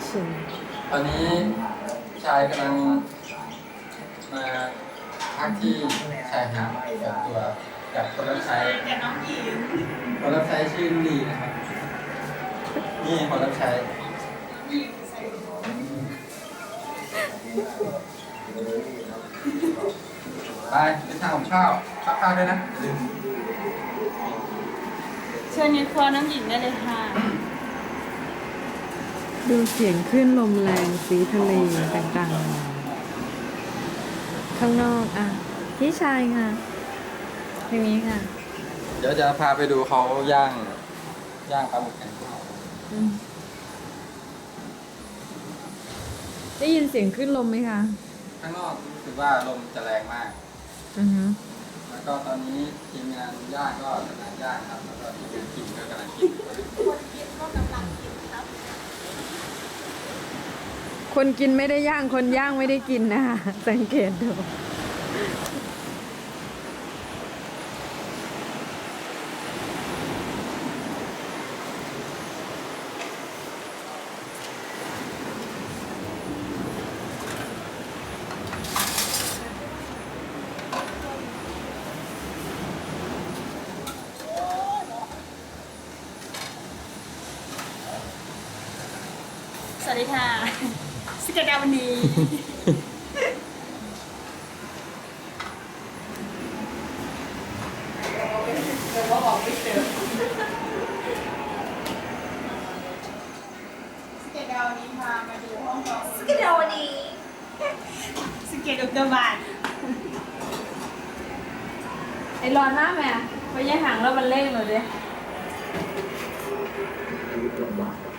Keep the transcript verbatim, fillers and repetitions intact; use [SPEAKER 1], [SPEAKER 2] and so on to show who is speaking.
[SPEAKER 1] ชิน
[SPEAKER 2] ตอนนี้ชายกำลังมาพักที่ชายหาดกับตัวกับคนรับใช้กับน้องหญิงคนรับใช้ชื่อลุลีนะครับนี่คนรับใช้ไปไปทานของข้าวข้าวข้าวด้วยนะลืม
[SPEAKER 3] เชิญในครัวน้ำหญิงได้เลยค่ะ
[SPEAKER 1] ดูเสียงขึ้นลมแรงสีทะเลต่างๆข้างนอกอ่ะพี่ชายค่ะทางนี้ค่ะ
[SPEAKER 2] เดี๋ยวจะพาไปดูเขาย่างย่างปลาหมึกกัน
[SPEAKER 1] อืมได้ยินเสียงขึ้นลมไหมคะ
[SPEAKER 2] ข้างนอกรู้สึกว่าลมจะแรงมาก
[SPEAKER 1] อือฮึ
[SPEAKER 2] แล้วก็ตอนนี้ทีมงานย่างก็กำลังย่างครับแล้วก็ทีมงานกินก็กำลังกิน
[SPEAKER 3] คนกินก็กำลังกินครับ
[SPEAKER 1] คนกินไม่ได้ย่างคนย่างไม่ได้กินนะคะสังเกตดู
[SPEAKER 3] สวัสดีค่ะสเกตดาวันนี้สเกตดาวันนี้พามาดูห้องนอนสเกตดาวันนี้สเกตอุกกาบาตไอ้ร้อนมากไหมอ่ะไปย่างหางแล้วมันเล่งเลยดิ